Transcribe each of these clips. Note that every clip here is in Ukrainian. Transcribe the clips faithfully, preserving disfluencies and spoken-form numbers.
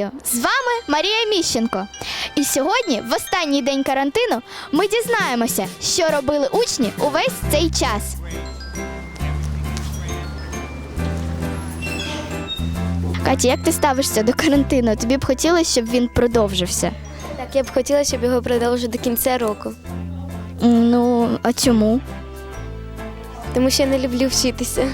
Вітаю! З вами Марія Міщенко. І сьогодні, в останній день карантину, ми дізнаємося, що робили учні увесь цей час. Катя, як ти ставишся до карантину? Тобі б хотілося, щоб він продовжився? Так, я б хотіла, щоб його продовжили до кінця року. Ну, а чому? Тому що я не люблю вчитися.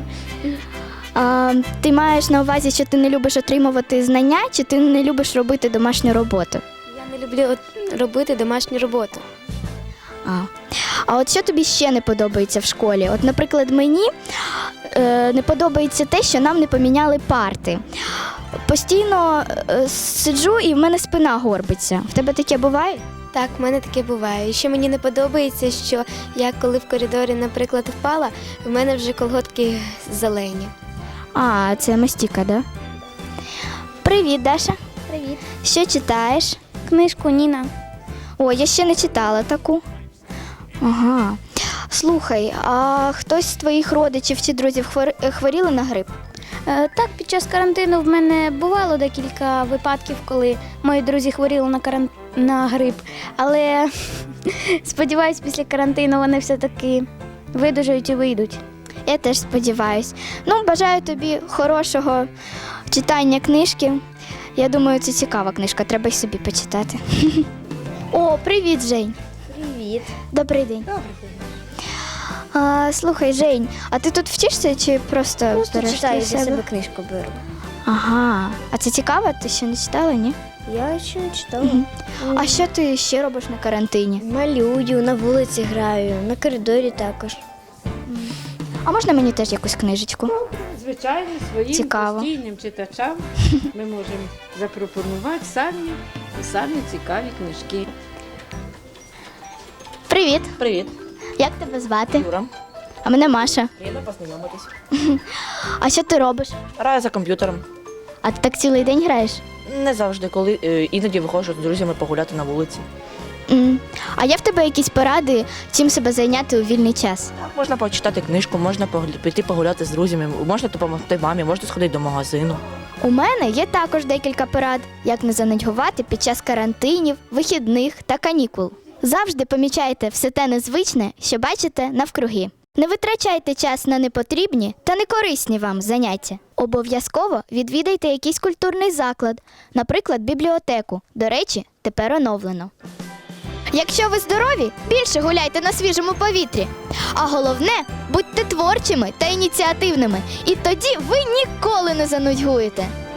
А, ти маєш на увазі, що ти не любиш отримувати знання, чи ти не любиш робити домашню роботу? Я не люблю от робити домашню роботу. А. а от що тобі ще не подобається в школі? От, наприклад, мені е, не подобається те, що нам не поміняли парти. Постійно е, сиджу і в мене спина горбиться. В тебе таке буває? Так, в мене таке буває. І ще мені не подобається, що я коли в коридорі, наприклад, впала, в мене вже колготки зелені. А, це мастіка, да? Привіт, Даша. Привіт. Що читаєш? Книжку Ніна. О, я ще не читала таку. Ага. Слухай, а хтось з твоїх родичів чи друзів хвор- хворіли на грип? Е, Так, під час карантину в мене бувало декілька випадків, коли мої друзі хворіли на, каран... на грип. Але сподіваюсь, після карантину вони все-таки видужають і вийдуть. Я теж сподіваюсь. Ну, бажаю тобі хорошого читання книжки. Я думаю, це цікава книжка, треба й собі почитати. О, привіт, Жень. Привіт. Добрий день. Добрий день. А, слухай, Жень, а ти тут вчишся чи просто, Просто береш читаю, для для себе? себе книжку беру. Ага. А це цікаво? Ти ще не читала, ні? Я ще не читала. Мгм. А що ти ще робиш на карантині? Малюю, на вулиці граю, на коридорі також. А можна мені теж якусь книжечку? Звичайно, своїм Цікаво. постійним читачам ми можемо запропонувати самі і самі цікаві книжки. Привіт. Привіт, Як тебе звати? Юра. А мене Маша. Приємно познайомитись. А що ти робиш? Граю за комп'ютером. А ти так цілий день граєш? Не завжди, коли е, іноді виходжу з друзями погуляти на вулиці. М. А є в тебе якісь поради, чим себе зайняти у вільний час? Так, можна почитати книжку, можна погля- піти погуляти з друзями, можна допомогти мамі, можна сходити до магазину. У мене є також декілька порад, як не занудьгувати під час карантинів, вихідних та канікул. Завжди помічайте все те незвичне, що бачите навкруги. Не витрачайте час на непотрібні та некорисні вам заняття. Обов'язково відвідайте якийсь культурний заклад, наприклад, бібліотеку. До речі, тепер оновлено. Якщо ви здорові, більше гуляйте на свіжому повітрі. А головне, будьте творчими та ініціативними. І тоді ви ніколи не занудьгуєте.